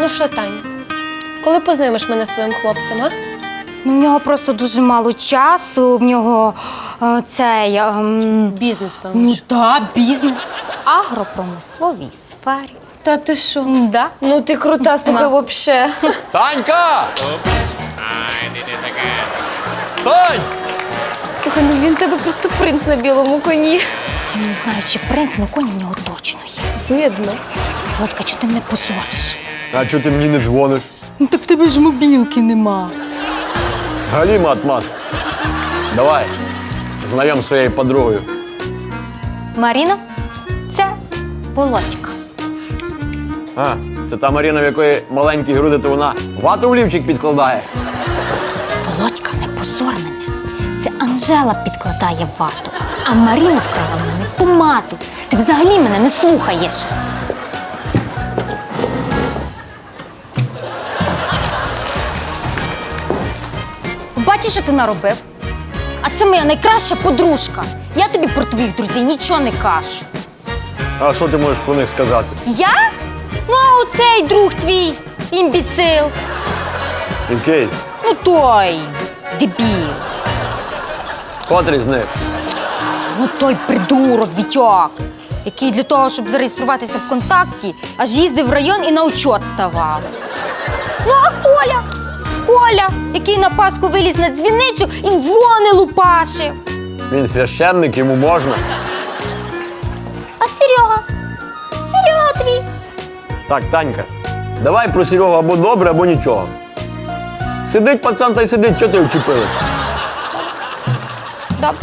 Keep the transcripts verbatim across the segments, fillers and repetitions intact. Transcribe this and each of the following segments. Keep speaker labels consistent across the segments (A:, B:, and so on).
A: Ну що, Тань, коли познайомиш мене зі своїм хлопцем, а?
B: Ну, в нього просто дуже мало часу, в нього е, цей... ем,
A: Бізнес, певно.
B: ну
A: що.
B: так, бізнес. Агропромисловій сфері.
A: Та ти що?
B: Да.
A: Ну ти крута, слухай, вообще.
C: Танька! Тань!
A: Слухай, ну він тебе просто принц на білому коні.
B: Я не знаю, чи принц, але коні в нього точно є.
A: Видно.
B: Володька, чи ти мене позориш?
C: А чого ти мені не дзвониш?
B: Ну так в тебе ж мобілки нема.
C: Галіма Атмас. Давай, знайом з своєю подругою.
B: Маріна, це Володька.
C: А, це та Маріна, в якої маленькі груди, то вона вату в лівчик підкладає.
B: Володька, не позор мене. Це Анжела підкладає вату, а Маріна вкрала в мене помаду. Ти взагалі мене не слухаєш. Бачиш, що ти наробив? А це моя найкраща подружка. Я тобі про твоїх друзів нічого не кажу.
C: А що ти можеш про них сказати?
B: Я? Ну, а оцей друг твій, імбіцил.
C: Який?
B: Ну той, дебіл.
C: Котрий з них?
B: Ну той придурок, Вітьок, який для того, щоб зареєструватися в контакті, аж їздив в район і на учет ставав. Ну, а Коля? Коля, який на Пасху виліз на дзвіницю і дзвони лупашив.
C: Він священник, йому можна.
B: А Серега? Серега твій.
C: Так, Танька, давай про Серегу або добре, або нічого. Сидить пацан та й сидить, чого ти вчепилась?
B: Добре.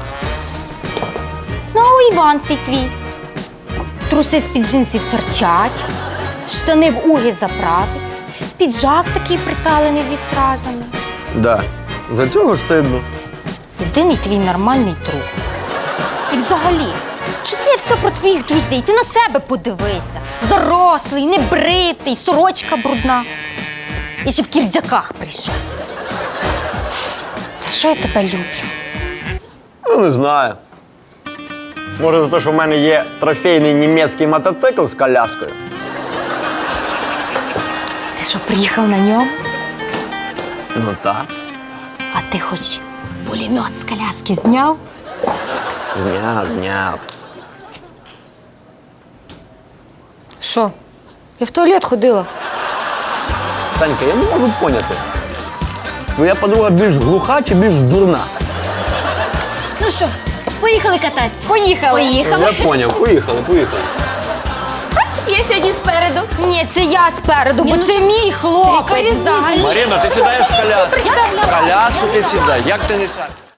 B: Ну, а Іван цей твій. Труси з-під джинсів торчать, штани в уги заправить, піджак такий приталений зі стразами.
C: Да. За цього стидно.
B: Єдиний твій нормальний друг. І взагалі, що це все про твоїх друзів? Ти на себе подивися. Зарослий, небритий, сорочка брудна. І ще в кірзяках прийшов. За що я тебе люблю?
C: Ну, не знаю. Може, за те, що в мене є трофейний німецький мотоцикл з коляскою.
B: Ти що, приїхав на ньому?
C: Ну так.
B: А ти хоч пулемет з коляски зняв?
C: Зняв, зняв.
A: Що? Я в туалет ходила.
C: Танька, я не можу поняти. Твоя подруга більш глуха чи більш дурна?
B: Ну що, поїхали кататися? Поїхали. Поїхали.
C: Я поняв, поїхали, поїхали.
A: Я сьогодні спереду.
B: Ні, це я спереду, бо
A: ну
B: це
A: чо-
B: мій
A: Яка
B: хлопець
A: різниця?
B: взагалі.
C: Маріна, ти сідаєш в коляску.
B: Представляю.
C: В коляску ти сідай, як ти не сядеш?